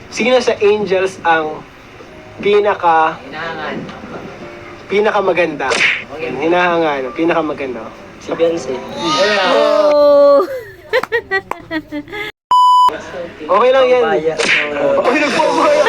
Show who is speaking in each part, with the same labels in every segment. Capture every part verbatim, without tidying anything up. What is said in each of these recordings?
Speaker 1: Sino sa Angels ang pinaka
Speaker 2: Hinahangan.
Speaker 1: pinaka maganda? Hinahangan, pinaka maganda.
Speaker 2: Si Beyonce.
Speaker 3: Oh!
Speaker 1: Okay lang yan.
Speaker 2: Pabaya.
Speaker 1: Okay, nagpapaya.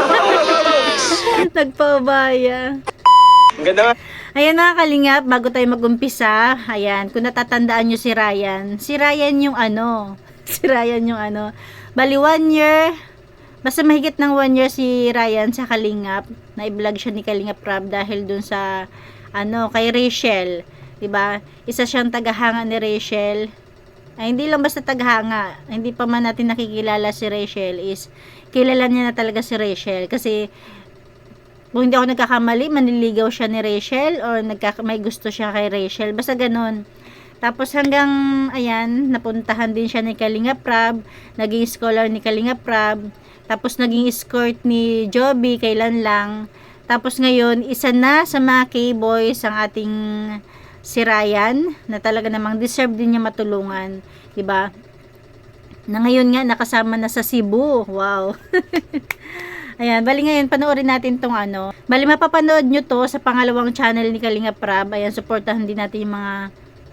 Speaker 3: Nagpabaya.
Speaker 1: Ang ganda nga.
Speaker 3: Ayan mga kalingap, bago tayo mag-umpisa, ayan, kung natatandaan nyo si Ryan, si Ryan yung ano, si Ryan yung ano, bali one year, basta mahigit ng one year si Ryan sa Kalingap, na-vlog siya ni Kalingap Rob dahil dun sa, ano, kay Rachel, diba? Isa siyang tagahanga ni Rachel, ay hindi lang basta tagahanga, hindi pa man natin nakikilala si Rachel, is kilala niya na talaga si Rachel, kasi kung hindi ako nagkakamali, manliligaw siya ni Rachel or nagkaka may gusto siya kay Rachel. Basta ganun. Tapos hanggang, ayan, napuntahan din siya ni Kalingap Rob, naging scholar ni Kalingap Rob, tapos naging escort ni Joby, kailan lang. Tapos ngayon, isa na sa mga K-boys ang ating si Ryan, na talaga namang deserve din niya matulungan. Diba? Na ngayon nga, nakasama na sa Cebu. Wow! Ayan, bali ngayon, panoorin natin tong ano. Bali, mapapanood nyo to sa pangalawang channel ni Kalingap Rob. Ayan, supportahan din natin yung mga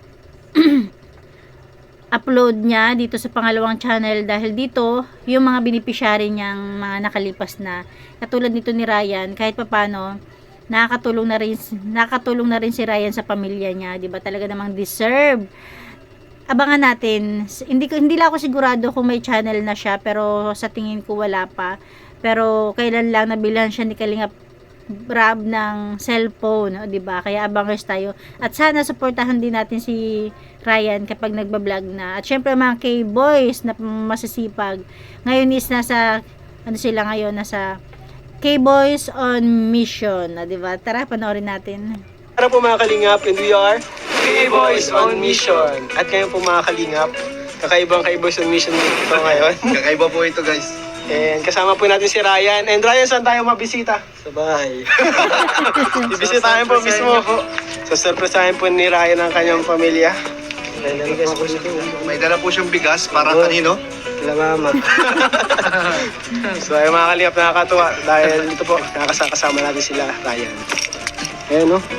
Speaker 3: upload niya dito sa pangalawang channel. Dahil dito, yung mga beneficiary niyang mga nakalipas na. Katulad nito ni Ryan, kahit papano, nakakatulong na rin, nakakatulong na rin si Ryan sa pamilya niya. Diba? Talaga namang deserve. Abangan natin. Hindi, hindi lang ako sigurado kung may channel na siya, pero sa tingin ko wala pa. Pero kailan lang nabilhan siya ni Kalingap Rob ng cellphone, o diba? Kaya abangers tayo. At sana supportahan din natin si Ryan kapag nagba-vlog na. At syempre mga K-boys na masisipag. Ngayon is nasa ano sila ngayon, nasa K-boys on mission, o diba? Tara, panoorin natin.
Speaker 1: Para po mga Kalingap, and we are K-Boys on Mission. At ngayon po mga Kalingap, kakaibang K-Boys on Mission dito ngayon.
Speaker 4: Kakaiba po ito, guys.
Speaker 1: And kasama po natin si Ryan. And Ryan, saan tayo mabisita?
Speaker 2: Sa bahay.
Speaker 1: Ibisitahin po mismo. So, surpresahin po ni Ryan ang kanyang pamilya.
Speaker 2: Naliligas po siya doon.
Speaker 4: May dala po siyang bigas para kanino?
Speaker 2: Sila mama.
Speaker 1: So, ay mga Kalingap, nakakatuwa. Dahil dito po, nakakasama natin sila, Ryan. Ayan, no?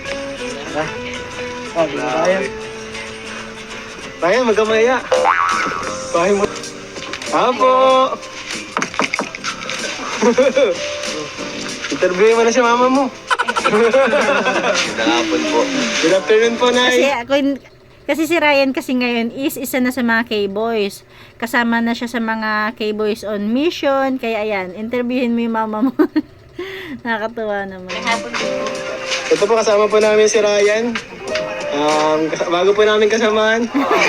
Speaker 2: Ah, di ba kaya?
Speaker 1: Ryan, magamaya. Bahay mo. Apo! Interviewin mo na si mama mo.
Speaker 4: Dalapon po.
Speaker 1: Good afternoon po,
Speaker 3: Kasi
Speaker 1: Nay.
Speaker 3: ako, kasi si Ryan kasi ngayon is isa na sa mga K-boys. Kasama na siya sa mga K-boys on mission. Kaya ayan, interviewin mo yung mama mo. Nakakatuwa naman.
Speaker 1: Ito po, kasama po namin si Ryan. Um, kas- bago po namin kasamahan.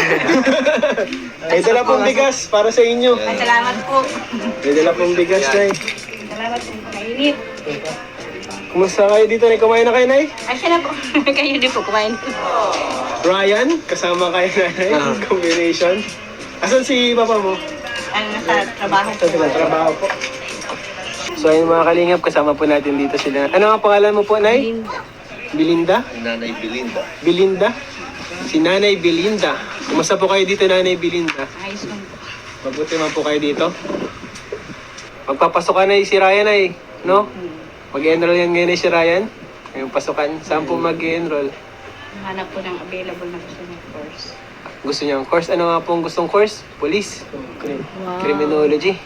Speaker 1: May dala pong bigas para sa inyo.
Speaker 5: Ay, salamat po.
Speaker 1: May dala pong bigas, Nay.
Speaker 5: Salamat po. Mainit.
Speaker 1: Kumusta kayo dito, Nay? Kumain na kayo, Nay?
Speaker 5: Ay, siya na po. Kayo din po kumain.
Speaker 1: Ryan, kasama kayo, Nay. Combination. Asan si papa mo?
Speaker 5: Ang nasa trabaho po.
Speaker 1: Sa trabaho po. So ayun mga Kalingap, kasama po natin dito sila. Ano ang pangalan mo po, Nay?
Speaker 5: Linda.
Speaker 1: Belinda?
Speaker 4: Nanay Belinda.
Speaker 1: Belinda? Si Nanay Belinda. Kumusta po kayo dito, Nanay Belinda?
Speaker 5: Ayos lang po.
Speaker 1: Mabuti man po kayo dito. Magpapasok ka na si Ryan ay, no? Mag-enroll yan ngayon eh, si Ryan. Ngayong pasukan. Saan po mag-enroll?
Speaker 5: Hanap po ng available na gusto ng course.
Speaker 1: Gusto niyo ang course? Ano nga po ang gustong course? Police.
Speaker 3: Wow.
Speaker 1: Criminology.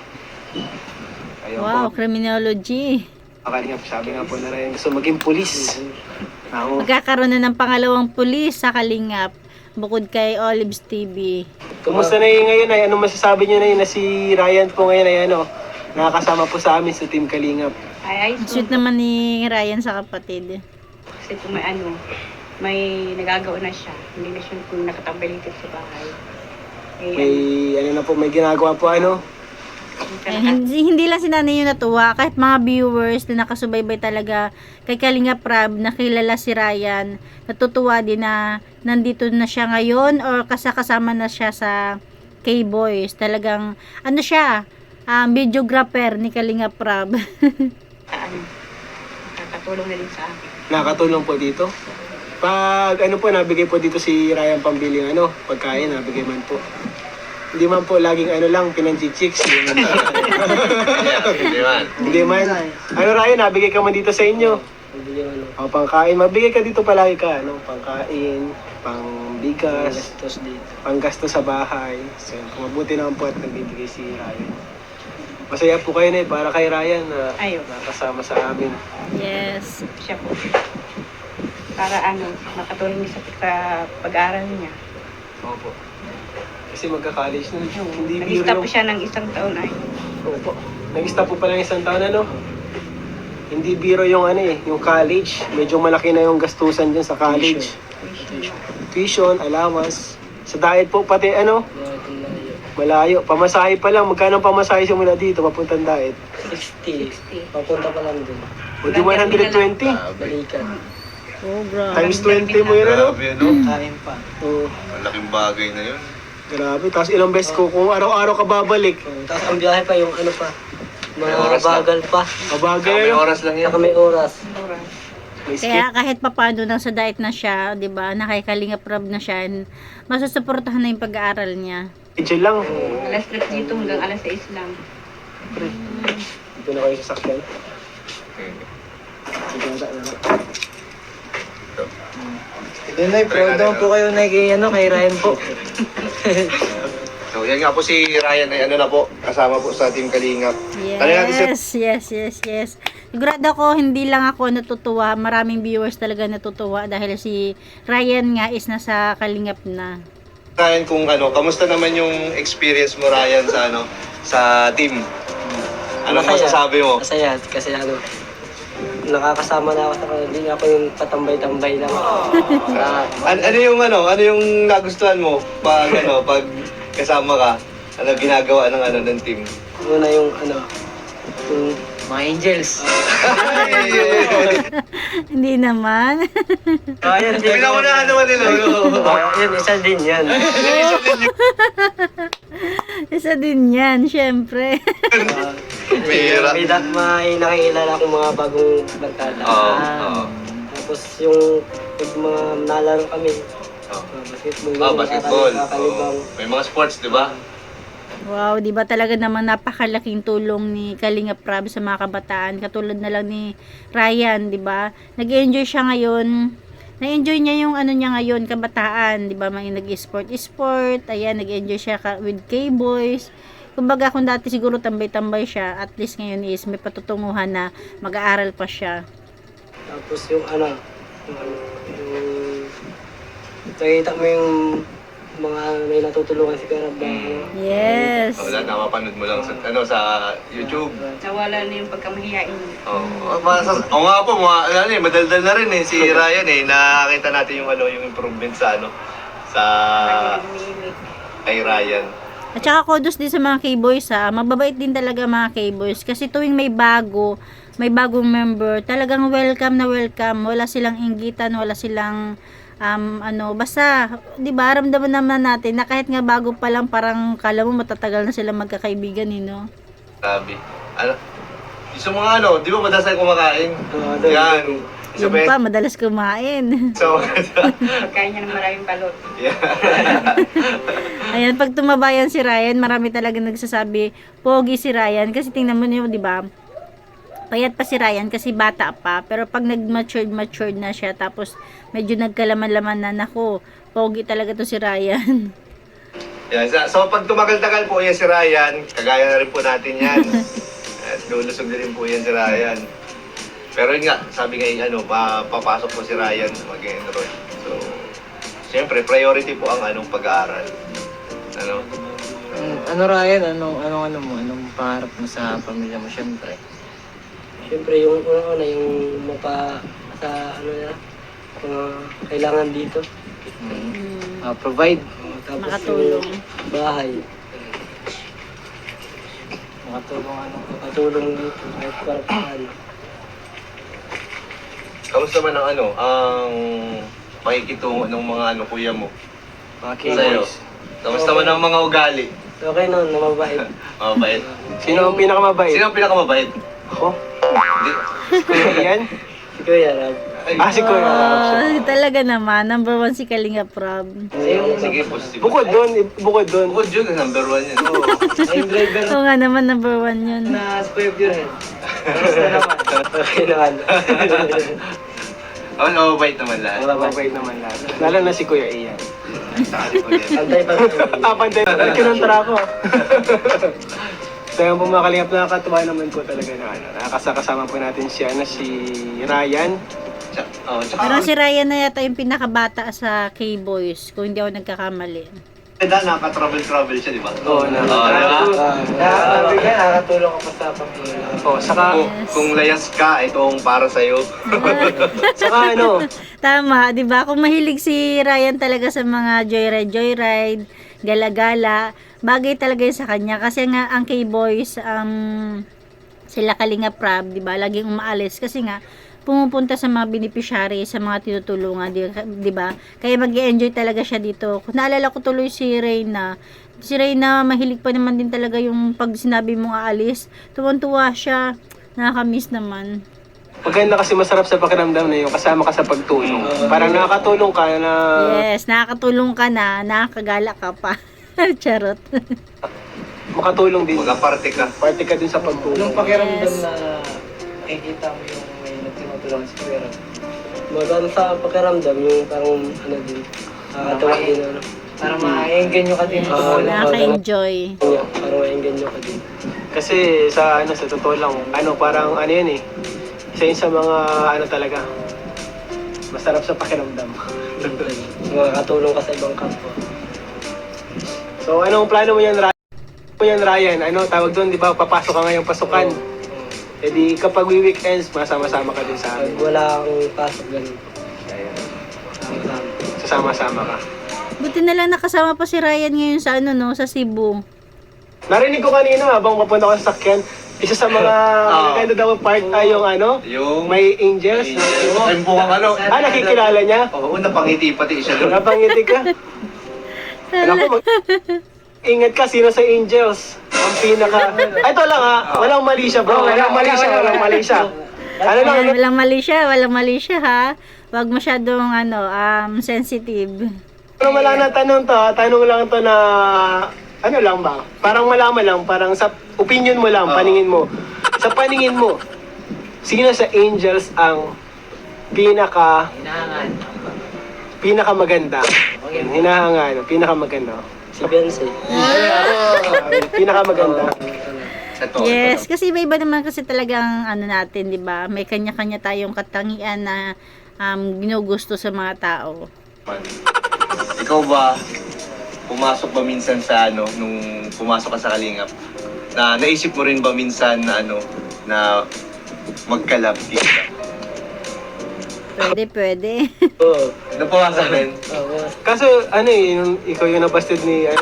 Speaker 1: Ayun
Speaker 3: Wow,
Speaker 1: po.
Speaker 3: criminology.
Speaker 1: Kalingap, sabi nga po na Ryan, gusto maging police. Ako.
Speaker 3: Magkakaroon na ng pangalawang pulis sa Kalingap. Bukod kay Olives T V.
Speaker 1: Kumusta na yun ngayon ay? Anong masasabi niyo na yun na si Ryan po ngayon ay ano? Nakakasama po sa amin sa Team Kalingap.
Speaker 5: Ay, ayos
Speaker 3: Sweet
Speaker 5: lang po.
Speaker 3: naman ni Ryan sa kapatid.
Speaker 5: Kasi po may ano, may nagagawa na siya. Hindi na siya kung nakatambay dito sa bahay. Eh,
Speaker 1: May ano na po, may ginagawa po ano?
Speaker 3: Eh, hindi, hindi lang si nanay yung natuwa, kahit mga viewers na nakasubaybay talaga kay Kalingap Rob, nakilala si Ryan, natutuwa din na nandito na siya ngayon or kasakasama na siya sa K-Boys. Talagang, ano siya, um, videographer ni Kalingap Rob.
Speaker 5: ano, nakakatulong na din sa akin.
Speaker 1: Nakatulong po dito. Pag ano po, nabigay po dito si Ryan pambiling ano, pagkain, nabigay man po. Hindi man po laging ano lang, pinanchichicks. Hindi man.
Speaker 4: Hindi man.
Speaker 1: Hindi man. Ano Ryan, nabigay ka man dito sa inyo.
Speaker 2: Hindi yung ano.
Speaker 1: O, pangkain. Magbigay ka dito palagi ka. Ano? Pangkain, pangbigas,
Speaker 2: Gastos dito.
Speaker 1: panggasto sa bahay. So, kung mabuti naman po at nagbibigay si Ryan. Masaya po kayo na para kay Ryan na
Speaker 5: Ayun.
Speaker 1: nakasama sa amin.
Speaker 3: Yes.
Speaker 5: Siya po. Para ano, makatulong niya sa, sa pag-aaral niya.
Speaker 1: Opo. Kasi magka-college na. Hindi biro
Speaker 5: Nag-stop
Speaker 1: yung...
Speaker 5: siya ng isang taon ay.
Speaker 1: Opo. Nag-stop po pala ng isang taon, ano? Hindi biro yung ano eh, yung college. Medyo malaki na yung gastusan dyan sa college. Tuition, allowance. Sa diet po pati ano, malayo. Pamasahe pa lang. Magkano ang pamasahe simula dito, papuntang diet?
Speaker 2: sixty.
Speaker 5: sixty.
Speaker 2: Papunta pa lang dun.
Speaker 1: O di one hundred twenty.
Speaker 2: Balikan.
Speaker 3: Oh, grabe.
Speaker 1: Times twenty mo yun, ano?
Speaker 4: Grabe, ano?
Speaker 2: Kain pa.
Speaker 1: Oo.
Speaker 4: Malaking bagay na yun.
Speaker 1: Grabe. Tapos ilang beses ko, kung araw-araw ka babalik.
Speaker 2: Oh, tapos ang biyahe pa yung ano pa.
Speaker 4: May
Speaker 2: Mga
Speaker 4: oras lang.
Speaker 2: bagal pa.
Speaker 1: Mabagay
Speaker 4: May
Speaker 1: ano?
Speaker 4: oras lang yan.
Speaker 2: Saka may oras.
Speaker 5: Oras.
Speaker 1: May skip.
Speaker 3: Kaya kahit papano nang sa diet na siya, 'di ba? Nakakalinga prob na siya. Masusuportahan na yung pag-aaral niya.
Speaker 1: Medyo lang.
Speaker 5: Alas tres dito hanggang alas sais lang.
Speaker 1: Dito na kayo sasakyan. Dito na tayo.
Speaker 2: Yun na, proud naman po kayo na kay, ano, kay Ryan po.
Speaker 4: So, yan nga po si Ryan ay ano na po, kasama po sa Team Kalingap. Tanong natin si
Speaker 3: Yes, yes, yes, yes. Sigurado ako, hindi lang ako natutuwa. Maraming viewers talaga natutuwa dahil si Ryan nga is nasa Kalingap na.
Speaker 4: Ryan kung ano, kamusta naman yung experience mo Ryan sa ano, sa team? Ano
Speaker 2: Masaya.
Speaker 4: masasabi mo?
Speaker 2: Masaya, kasi ano, nakakasama na ako sa kanila. Hindi na ako yung patambay-tambay lang. Ah,
Speaker 4: An- ano yung ano, ano yung nagustuhan mo pag ano, pag kasama ka? Ano ginagawa ng ano ng team?
Speaker 2: Una yung ano, yung mga angels.
Speaker 3: Hindi naman.
Speaker 2: Ayan,
Speaker 4: Pinaunahan naman nila.
Speaker 2: Oh, yun, isa din yan.
Speaker 3: Isa din yan, syempre.
Speaker 4: Pera.
Speaker 2: May, da- may nakikilala akong mga bagong barkada.
Speaker 4: Oo,
Speaker 2: Ah,
Speaker 4: oo.
Speaker 2: Tapos yung pag mga nalaro kami,
Speaker 4: Oh.
Speaker 2: ah, basketball,
Speaker 4: Ah, basketball.
Speaker 2: kakalibang.
Speaker 4: Oh. May mga sports, di ba?
Speaker 3: Wow, di ba talaga naman napakalaking tulong ni Kalinga Prab sa mga kabataan. Katulad na lang ni Ryan, di ba? Nag-enjoy siya ngayon. Na-enjoy niya yung ano niya ngayon, kabataan, di ba? May nag-sport, sport, ayan, nag-enjoy siya ka- with K-boys. Kumbaga kung dati siguro tambay-tambay siya, at least ngayon is may patutunguhan na mag-aaral pa siya.
Speaker 2: Tapos yung ano, yung, ano, yung nakikita mo yung mga may natutulungan si Karab.
Speaker 3: Yes.
Speaker 4: Wala, napapanood mo lang sa, ano, sa YouTube.
Speaker 5: Nawala na yung pagkamahiyain niya.
Speaker 4: Oo. Oh, oh, nga po, mga, ano, eh, madaldal na rin eh, si Ryan eh. Nakakita natin yung, ano, yung improvement sa, ano, sa
Speaker 5: Lagi umiimik.
Speaker 4: kay Ryan.
Speaker 3: At saka kudos din sa mga K-boys ha. Mababait din talaga mga K-boys. Kasi tuwing may bago, may bagong member, talagang welcome na welcome. Wala silang inggitan, wala silang um, ano, basta, di ba, ramdaman naman natin na kahit nga bago pa lang, parang kala mo matatagal na sila magkakaibigan, eh, no?
Speaker 4: Sabi. Ano, isa mga ano, di ba madalas tayo kumakain?
Speaker 2: Oo, doon.
Speaker 4: Yan. Isa
Speaker 3: Yun
Speaker 4: pa
Speaker 3: pa,
Speaker 4: yun.
Speaker 3: madalas kumain.
Speaker 4: So,
Speaker 5: Pagkain niya ng maraming balot.
Speaker 4: yeah.
Speaker 3: Ayan, pag tumabayan si Ryan, marami talaga nagsasabi, pogi si Ryan. Kasi tingnan mo niyo, di ba? Payat pa si Ryan kasi bata pa. Pero pag nag-matured, matured na siya, tapos medyo nagkalaman-laman na, nako, pogi talaga to si Ryan.
Speaker 4: Yan. So, so, pag tumagal-tagal po yan si Ryan, kagaya na rin po natin yan. At lulusog na rin po yan si Ryan. Pero yun nga, sabi nga yung ano, papasok po si Ryan mag-enroll. So, siyempre, priority po ang anong pag-aaral. Ano?
Speaker 6: Ano Ryan, anong anong ano mo, anong pangarap mo sa pamilya mo syempre?
Speaker 2: Siyempre yung una-una yung mapa sa ano na, mga kailangan dito.
Speaker 3: Mm,
Speaker 6: Uh, provide,
Speaker 2: Oh, tapos
Speaker 3: makatulong.
Speaker 2: yung bahay,
Speaker 6: makatulong ano.
Speaker 2: makatulong dito kahit para paano.
Speaker 4: Kamusta man ang ano, ang pakikitungo ng mga ano, kuya mo?
Speaker 6: Mga
Speaker 4: Sa'yo?
Speaker 6: K-boys.
Speaker 4: Kamusta man ang mga ugali?
Speaker 2: Okay noon, namabait.
Speaker 4: Mabait.
Speaker 1: Sino ang pinakamabait?
Speaker 4: Sino ang pinakamabait?
Speaker 1: Ako?
Speaker 4: Hindi.
Speaker 1: Kuya Ian?
Speaker 2: Si Kuya Rab.
Speaker 1: Ah, si Kuya Rab siya.
Speaker 3: Oh, talaga naman, number one si Kalinga Prab.
Speaker 4: Sige, positive.
Speaker 1: Bukod doon, i- bukod doon.
Speaker 4: Bukod yun, number one yan.
Speaker 2: Ay, yung driver
Speaker 3: Oo nga naman, number one yun.
Speaker 2: na si Kuya Purhead. Kamusta naman? Okay naman.
Speaker 4: Oh, no, bait naman lahat.
Speaker 1: Mababait naman lahat. Lalo na si Kuya Ian.
Speaker 4: Saan ko yan?
Speaker 2: Antay pa rin.
Speaker 1: Papantay pa rin kinontra ko. So yung po mga kalingap, nakakatuwa naman po talaga na ano. Nakakasakasama po natin siya na si Ryan.
Speaker 4: Tsaka- Oh, tsaka,
Speaker 3: Parang si Ryan na yata yung pinakabata sa K-Boys, kung hindi ako nagkakamali.
Speaker 4: Ganda, nakaka-travel-travel siya, di ba?
Speaker 1: Oo, na.
Speaker 4: Oo, di ba?
Speaker 2: Nakakatabi ka, nakakatulong ka pa sa pamilya.
Speaker 1: Oh, saka,
Speaker 4: Kung, kung layas ka, itong para sa'yo.
Speaker 1: saka ano,
Speaker 3: Tama, 'di ba? Kung mahilig si Ryan talaga sa mga joyride, joyride, gala-gala, bagay talaga 'yun sa kanya kasi nga ang K-Boys um sila Kalinga Prab, 'di ba? Laging umaalis kasi nga pumupunta sa mga beneficiary, sa mga tinutulungan, 'di ba? Kaya mag-enjoy talaga siya dito. Kung naalala ko tuloy si Reyna, si Reyna mahilig pa naman din talaga yung pag sinabi mong aalis, tuwan-tuwa siya. Nakaka-miss naman.
Speaker 1: maganda kasi masarap sa pakiramdam na yung kasama ka sa pagtulong. Parang nakakatulong ka na
Speaker 3: Yes, nakakatulong ka na, nakakagala ka pa. Charot.
Speaker 1: makatulong din.
Speaker 4: Mag-aparte ka.
Speaker 1: Party ka din sa pagtulong.
Speaker 2: Yung pakiramdam
Speaker 3: Yes.
Speaker 2: na nakikita mo yung may nagtinutulong si Kuya Rab. Maganda sa pakiramdam yung parang ano din. Nakakatawa din ano. Parang ma-engganyo ka din.
Speaker 3: Yes, nakaka-enjoy.
Speaker 2: Parang ma-engganyo ka din.
Speaker 1: Kasi sa ano sa totoo lang, ano parang ano yan eh. Isa yun sa mga ano talaga. Masarap sa pakiramdam.
Speaker 2: Makakatulong ka sa ibang kapwa.
Speaker 1: So anong plano mo yan, Ryan? Ano mo yan, Ryan? Ano tawag doon, di ba? Papasok ka ngayong pasukan. E di kapag we weekends, masama-sama ka din sa
Speaker 2: Pag
Speaker 1: amin.
Speaker 2: wala akong pasok ganun. Sama-sama.
Speaker 1: Sasama-sama ka.
Speaker 3: Buti na lang nakasama pa si Ryan ngayon sa ano no, sa Cebu.
Speaker 1: Narinig ko kanina habang papunta ko sa sakyan, isa sa mga maganda daw part ay yung ano,
Speaker 4: Yung...
Speaker 1: may angels.
Speaker 4: Ay, mukhang ano.
Speaker 1: Ah, nakikilala niya?
Speaker 4: Oo, napangiti pati siya doon.
Speaker 1: Napangiti ka? Alam ko, mag- ingat ka, sino sa angels? Ang pinaka... Ay, ito lang ha, walang mali siya bro, walang mali siya, walang mali siya. Ano lang,
Speaker 3: Ayan,
Speaker 1: ano?
Speaker 3: walang mali siya, walang mali siya ha. Huwag masyadong ano, um, sensitive.
Speaker 1: Pero wala na tanong to, ha? Tanong lang to na... Ano lang ba? Parang malaman lang, parang sa opinion mo lang,
Speaker 4: Oo.
Speaker 1: paningin mo. Sa paningin mo, sino sa angels ang pinaka...
Speaker 2: Hinahangan.
Speaker 1: pinaka maganda? Hinahanga, ano, pinaka maganda.
Speaker 2: Si Beyonce.
Speaker 1: Pinaka maganda.
Speaker 4: Ito,
Speaker 3: Yes,
Speaker 4: ito.
Speaker 3: kasi iba-iba naman kasi talagang ano natin, 'di ba? May kanya-kanya tayong katangian na um, ginugusto sa mga tao.
Speaker 4: Ikaw ba, pumasok ba minsan sa ano, nung pumasok ka sa Kalingap, na naisip mo rin ba minsan na ano, na magkalab dito?
Speaker 3: Pwede, pwede.
Speaker 2: Oo.
Speaker 4: Napumasok rin?
Speaker 2: Oo.
Speaker 1: Kaso, ano eh, yung, ikaw yung nabasted ni... Ano,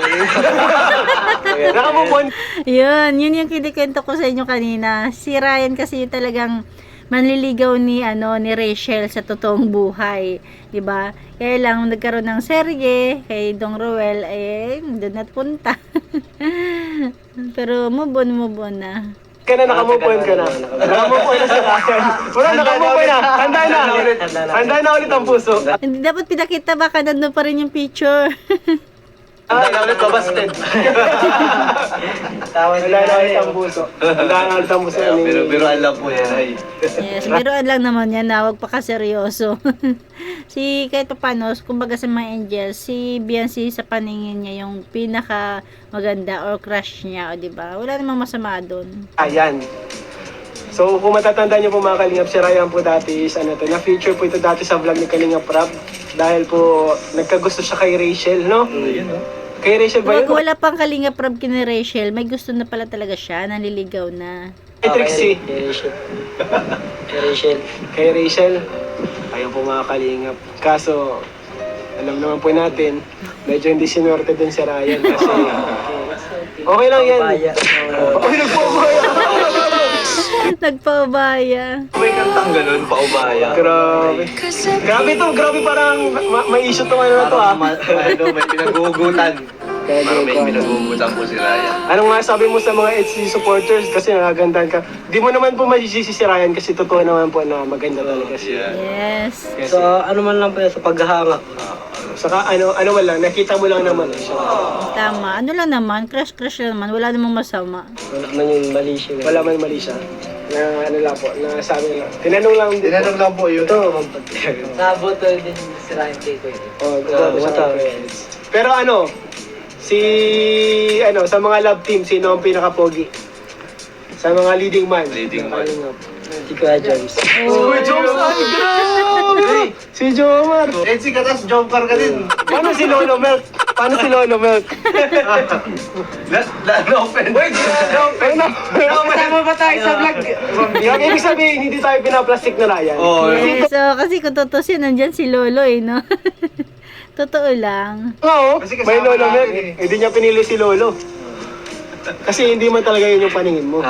Speaker 1: yun. Nakamupon.
Speaker 3: Yun, yun yung kinikwento ko sa inyo kanina. Si Ryan kasi yung talagang manliligaw ni ano ni Rachel sa totoong buhay, 'di ba? Kaya lang nagkaroon ng serye kay Dong Roel eh doon na punta. Pero move on, move on na.
Speaker 1: Ka na, nakamupon ka na. Nakamupon na sa akin. Wala, nakamupon na. Handa na. Handa na ulit ang puso.
Speaker 3: Hindi dapat pinakita, baka nandun pa rin yung picture.
Speaker 4: Handa na ulit babasted.
Speaker 2: Tawad
Speaker 1: Wala na ulit ang puso. Handa na ulit ang puso.
Speaker 4: Kaya,
Speaker 1: ni-
Speaker 4: pero, pero alam po yan ay.
Speaker 3: Yes, biruan lang naman yan na huwag pa kaseryoso. Si kahit paano, kumbaga sa mga angels, si Beyonce sa paningin niya yung pinaka maganda or crush niya, o diba? Wala namang masama doon.
Speaker 1: Ayan. So, kung matatandaan niyo po mga Kalingap, si Ryan po dati is ano to, na-feature po ito dati sa vlog ni Kalingap Rap. Dahil po, nagkagusto siya kay Rachel, no?
Speaker 4: Yun, no?
Speaker 1: Kay Rachel ba
Speaker 3: Wag
Speaker 1: yun?
Speaker 3: wala pang Kalinga Prab kina Rachel, may gusto na pala talaga siya, nanliligaw na.
Speaker 1: Kay Trixie.
Speaker 2: Kay Rachel. Kay Rachel.
Speaker 1: Kay Rachel. Ayun po mga Kalingap. Kaso, alam naman po natin, medyo hindi sinorte din si Ryan kasi okay lang yan.
Speaker 2: Pabaya.
Speaker 1: Uy, nagpapaya!
Speaker 3: Nagpaubaya.
Speaker 4: May kantang ganun, paubaya.
Speaker 1: Grabe. Grabe to, grabe parang ma- may issue tong ano na to ah.
Speaker 4: Parang ma- ano, may pinag-uugutan. Parang may pinag-uutan po si Ryan.
Speaker 1: Ano nga sabi mo sa mga H C supporters kasi nagagandaan ka. Di mo naman po masisisi si Ryan kasi totoo naman po na maganda talaga siya.
Speaker 4: Yeah.
Speaker 3: Yes.
Speaker 1: Yes.
Speaker 2: So, ano man lang po yun, sa paghahanga.
Speaker 1: Saka ano, ano man lang, nakita mo lang naman eh siya.
Speaker 3: Tama. Ano lang naman, crush-crush lang naman. Wala namang masama.
Speaker 2: Wala man yung mali siya.
Speaker 1: Wala man mali siya. Na ano lang po, na sabi lang. Tinanong lang din.
Speaker 4: Tinanong lang po yun.
Speaker 2: Ito, naboto din si Ryan kay Kuya.
Speaker 1: Oh,
Speaker 2: Ah,
Speaker 1: grabe siya.
Speaker 2: mata.
Speaker 1: Pero ano, si ano sa mga love team, sino ang pinaka-pogi? Sa mga leading man.
Speaker 4: Leading man.
Speaker 2: Si Kuya James.
Speaker 1: Si Kuya Joms, ay grabe! Si Jomar.
Speaker 4: Eh, si Katas, jumper ka din.
Speaker 1: Paano si Lolo Milk? Paano si Lolo Milk?
Speaker 4: La, la, no offense. Wait, no offense.
Speaker 5: Kasama ba tayo sa vlog?
Speaker 1: Yung ibig sabihin, hindi tayo pinaplastic na Ryan.
Speaker 4: Oh,
Speaker 3: Yes. So, kasi kung tutusin, nandyan si Lolo eh, no? Totoo lang.
Speaker 1: Oo,
Speaker 4: Kasi
Speaker 1: may
Speaker 4: kasama
Speaker 1: Lolo Milk.
Speaker 4: namin
Speaker 1: Hindi niya pinili si Lolo. Kasi hindi man talaga yun yung paningin mo.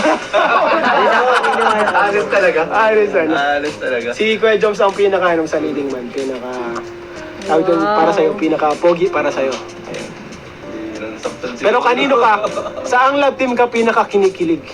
Speaker 4: Alis talaga.
Speaker 1: Alis ano.
Speaker 4: Alis talaga.
Speaker 1: Si Kuya Joms ang pinaka ano, sa leading man. Pinaka... Tawag doon,
Speaker 3: Wow.
Speaker 1: para sa'yo, pinaka-pogi para sa'yo.
Speaker 4: Yun ang saktan si
Speaker 1: Pero
Speaker 4: Lolo.
Speaker 1: kanino ka? Saang love team ka pinaka-kinikilig?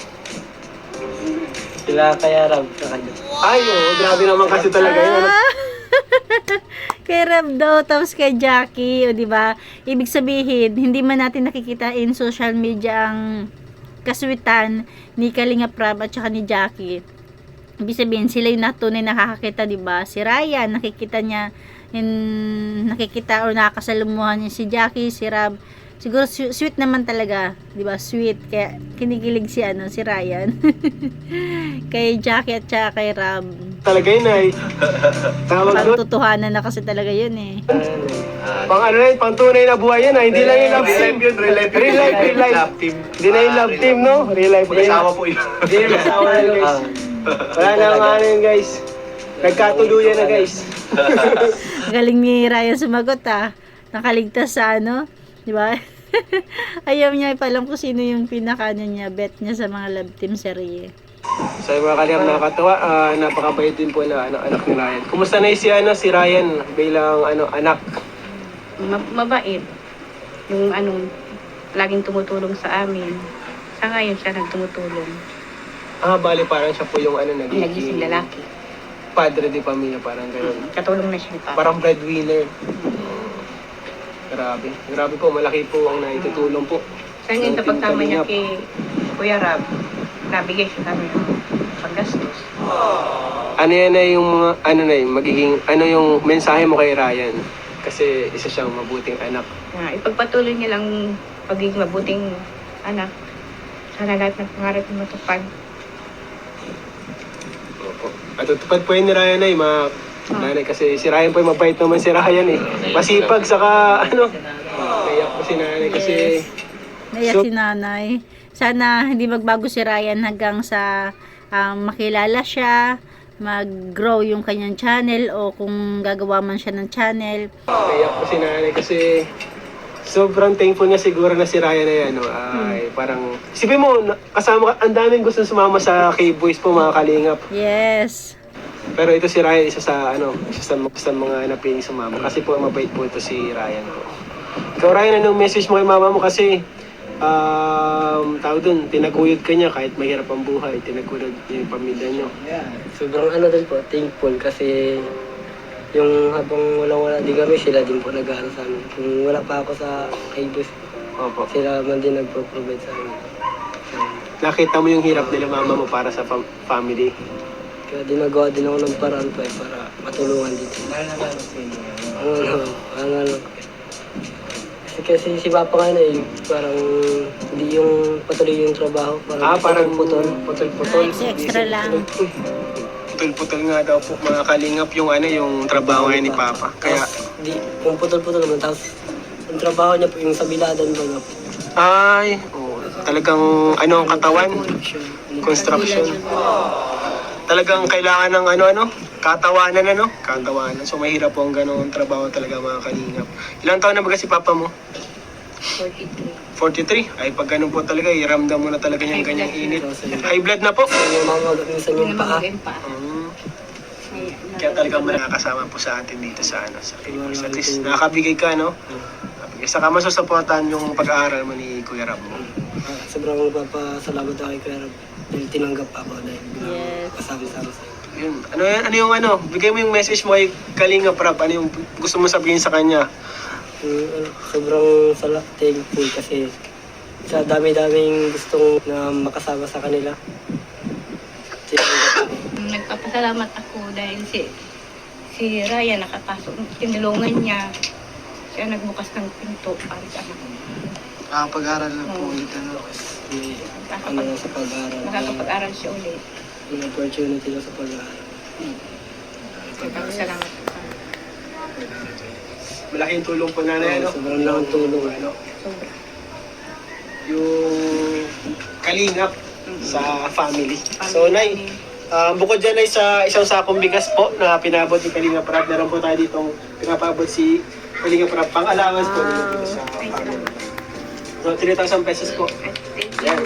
Speaker 2: Sila kaya Rab sa kanya.
Speaker 1: Ay, oo, grabe naman kasi talaga yun. Ano?
Speaker 3: Ah! Kay Rab daw, tapos kay Jackie, o di ba? Ibig sabihin, hindi man natin nakikita in social media ang kaswitan ni Kalinga Prab at saka ni Jackie. Ibig sabihin, sila yung natunay nakakakita, di ba? Si Ryan, nakikita niya, in, nakikita o nakakasalumuhan niya si Jackie, si Rab. Siguro su- sweet naman talaga, 'di ba? Sweet kaya kinikilig si ano, si Ryan. Kay Jackie at saka kay Rab.
Speaker 1: Talaga yun ay. Tawag doon.
Speaker 3: Pagtutuhanan na kasi talaga 'yun eh.
Speaker 4: Ah,
Speaker 1: Pang ano yun, pang tunay na buhay yun ah. Hindi lang yung love
Speaker 4: real
Speaker 1: team.
Speaker 4: life yun, real life yun.
Speaker 1: Real life, real life.
Speaker 4: Love team.
Speaker 1: Hindi na yung
Speaker 4: Ah,
Speaker 1: love
Speaker 4: real
Speaker 1: team, no? Real life.
Speaker 4: Mag-asawa po yun.
Speaker 1: Hindi yung asawa na yun, guys. Wala na ang ano yun, guys. Nagkatuluyan na, guys.
Speaker 3: Galing ni Ryan sumagot ah. Nakaligtas sa ano, 'di ba? Ayaw niya ipalam kung sino yung pinaka ano niya, bet niya sa mga love team serye.
Speaker 1: So yung mga kalihap nakakatawa, ah, napakabait din po na ano, anak ni Ryan. Kumusta na si, ano, si Ryan bilang ano, anak?
Speaker 5: Ma- mabait. Yung ano, laging tumutulong sa amin. Sa ngayon siya nagtumutulong.
Speaker 1: Ah, bali parang siya po yung ano,
Speaker 5: Nagising
Speaker 1: nagiging
Speaker 5: lalaki.
Speaker 1: padre di pamilya, parang gano'n.
Speaker 5: Katulong na siya ni Papa.
Speaker 1: Parang breadwinner. Grabe. Grabe po, malaki po ang naitutulong po.
Speaker 5: Sa ngayon,
Speaker 1: ng
Speaker 5: kapag
Speaker 1: Team
Speaker 5: tama niya
Speaker 1: Kalingap.
Speaker 5: kay Kuya Rab, nabigay siya kami ng paggastos.
Speaker 1: Ano yan na yung mga, ano na yung magiging, ano yung mensahe mo kay Ryan? Kasi isa siyang mabuting anak.
Speaker 5: Na ipagpatuloy niya lang pagiging mabuting anak. Sana lahat ng pangarap niya matupad.
Speaker 1: Opo. At tutupad po yun ni Ryan ay mga nanay kasi si Ryan po ay mabait naman si Ryan eh. Masipag saka ano. Kaya po si nanay kasi
Speaker 3: Yes. Naiyak
Speaker 1: So-
Speaker 3: si nanay. Sana hindi magbago si Ryan hanggang sa um, makilala siya, mag-grow yung kanyang channel o kung gagawa man siya ng channel.
Speaker 1: kaya po si nanay kasi sobrang thankful niya siguro na si Ryan ay ano ay parang isipin mo na- kasama ka, ang daming gusto sumama sa K-Boys po mga kalingap.
Speaker 3: Yes.
Speaker 1: Pero ito si Ryan, isa sa ano, isa sa, sa mga napiling sumama. Kasi po mabait po ito si Ryan po. Ikaw Ryan, anong message mo kay mama mo? Kasi um, tawag dun, tinaguyod ka niya kahit mahirap ang buhay. Tinaguyod niya yung pamilya niyo.
Speaker 2: Sobrang ano din po, thankful kasi yung habang walang-wala di kami, sila din po nag-aaral sa amin. Kung wala pa ako sa Kaibus,
Speaker 1: Opo.
Speaker 2: sila man din nagpo-provide sa amin.
Speaker 1: Nakita mo yung hirap nila mama mo para sa fam- family.
Speaker 2: Kaya dinagawa din ako ng paraan pa eh, para matulungan dito. Ano ano, ano ano. Kasi, kasi si Papa nga na eh, parang hindi yung patuloy yung trabaho. Parang
Speaker 1: Ah, parang
Speaker 2: putol.
Speaker 1: Putol-putol.
Speaker 3: Ah, extra lang.
Speaker 1: Putol-putol nga daw po mga kalingap yung ano, yung trabaho ngayon ni Papa. Kaya,
Speaker 2: Tapos, di, yung putol-putol naman. Tapos, yung trabaho niya po, yung sa biladan ba nga po.
Speaker 1: ay, oh, talagang ano ang katawan? Construction. Talagang kailangan ng ano-ano, katawanan ano, katawanan. So mahirap po ang ganoong trabaho talaga mga kalingap. Ilang taon na ba kasi papa mo?
Speaker 5: forty-three.
Speaker 1: forty-three? Ay pag ganun po talaga, iramdam mo na talaga yung ganyang init. High blood na po.
Speaker 2: Yung mga minsan yung paa.
Speaker 5: Namamagaan pa.
Speaker 1: Mm.
Speaker 5: May-
Speaker 1: Kaya talagang nakakasama po sa atin dito sa ano, sa K-Boys. At least nakakabigay ka, no? Isa ka masusuportahan yung pag-aaral mo ni Kuya Rab mo.
Speaker 2: Ah, sobrang magpapasalamat ako kay Kuya Rab. Dahil tinanggap ako dahil
Speaker 3: Yes.
Speaker 2: kasama-sama sa'yo.
Speaker 1: Yun. Ano, yan- ano yung ano? Bigay mo yung message mo kay Kalinga Prab. Ano yung gusto mo sabihin sa kanya?
Speaker 2: Yung, ano, sobrang sala, thankful kasi sa dami-daming gustong na makasama sa kanila. Tinanggap ako.
Speaker 5: Nagpapasalamat ako dahil si si Ryan nakapasok, tinulungan niya. Siya nagbukas ng pinto para sa anak.
Speaker 6: Ah, pag-aral na po
Speaker 5: Oo.
Speaker 6: ulit, ano.
Speaker 2: May ano na sa pag-aaral.
Speaker 5: Makakapag-aral siya ulit.
Speaker 2: May opportunity na sa pag-aaral.
Speaker 5: Nagpapasalamat ako.
Speaker 1: Malaking tulong po na na ano?
Speaker 2: Sobrang laking tulong.
Speaker 1: Ano?
Speaker 5: Sobra.
Speaker 1: Yung kalingap sa family. So, Nay, ah, bukod dyan ay sa isang sakong bigas po na pinabot ni Kalinga Prab, meron po tayo ditong pinapabot si Kalinga Prab, pang allowance po nila sa family. So, three thousand pesos po. Yan.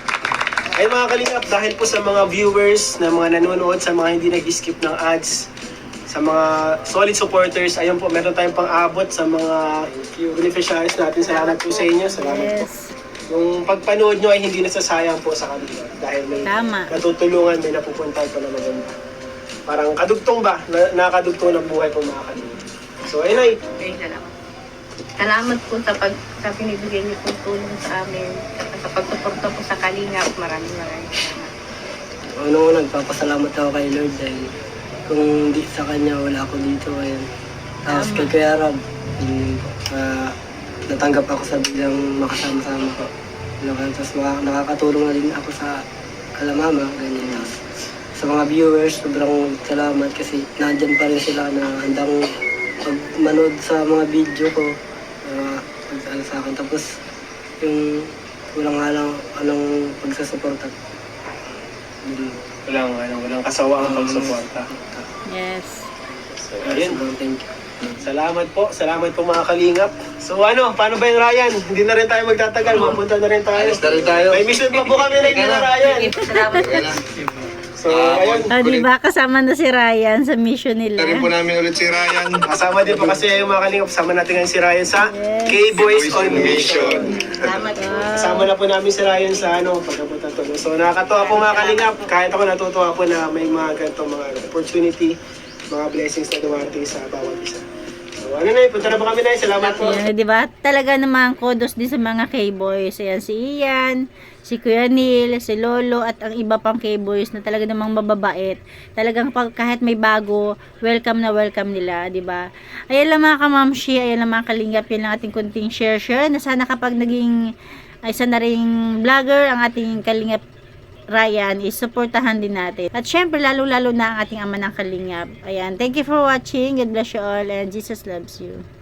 Speaker 1: Ay mga Kalingap, dahil po sa mga viewers na mga nanonood, sa mga hindi nag-skip ng ads, sa mga solid supporters, ayun po, meron tayong pang-abot sa mga beneficiaries natin. Salamat po sa inyo. Salamat po.
Speaker 3: Yes.
Speaker 1: Yung pagpanood nyo ay hindi nasasayang po sa kanila dahil may
Speaker 3: Tama.
Speaker 1: natutulungan, may napupunta po na maganda. Parang kadugtong ba? Na, nakadugtong ng buhay po mga Kalingap. So, ayun ay,
Speaker 5: Okay, salamat. Salamat po sa pag sa binibigay niyo pong tulong sa amin. At sa pagsuporta po sa Kalingap. Maraming maraming salamat.
Speaker 2: Ano ko, nagpapasalamat ako kay Lord dahil kung hindi sa kanya, wala ako dito ngayon. Tapos kay Kuya Rab, yung, ah, natanggap ako sa biglang makasama-sama ko. Ano, tapos maka- nakakatulong na din ako sa Kalamama, ganyan. Tapos sa mga viewers, sobrang salamat kasi nandyan pa rin sila na handang magmanood sa mga video ko. Uh, ano sa akin. Tapos yung walang halang anong pagsasuporta. Yun.
Speaker 1: walang, ano, walang kasawaang pagsuporta.
Speaker 3: Yes.
Speaker 1: So, ayun.
Speaker 2: Sobrang thank you.
Speaker 1: Salamat po. Salamat po mga Kalingap. So ano, paano ba yung Ryan? Hindi na rin tayo magtatagal. Mapunta na rin tayo.
Speaker 4: Alis na rin tayo.
Speaker 1: May mission pa po kami na na Ryan.
Speaker 5: Salamat po.
Speaker 1: So, ayun.
Speaker 3: O, di ba kasama na si Ryan sa mission nila?
Speaker 4: Tarin po namin ulit si Ryan.
Speaker 1: Kasama din po kasi yung mga Kalingap. Kasama natin ngayon si Ryan sa K-Boys on Mission.
Speaker 5: Salamat po.
Speaker 1: Kasama na po namin si Ryan sa ano, pagkapunta to. So nakakatuwa po mga Kalingap. Kahit ako natutuwa po na may mga ganitong mga opportunity, mga blessings na dumarating sa bawat isa. So ano na, punta na po kami na. Salamat po.
Speaker 3: Ayan, di ba? Talaga namang kudos din sa mga K-boys. Ayan, si Ian, si Kuya Neil, si Lolo, at ang iba pang K-boys na talaga namang mababait. Talagang pag, kahit may bago, welcome na welcome nila, di ba? Ayan lang mga kamamshi, ayan lang mga kalingap, yun lang ating kunting share-share. Na sana kapag naging ay isa na ring vlogger ang ating kalingap Ryan, is supportahan din natin. At syempre, lalo-lalo na ang ating ama ng kalingap. Ayan, thank you for watching. God bless you all and Jesus loves you.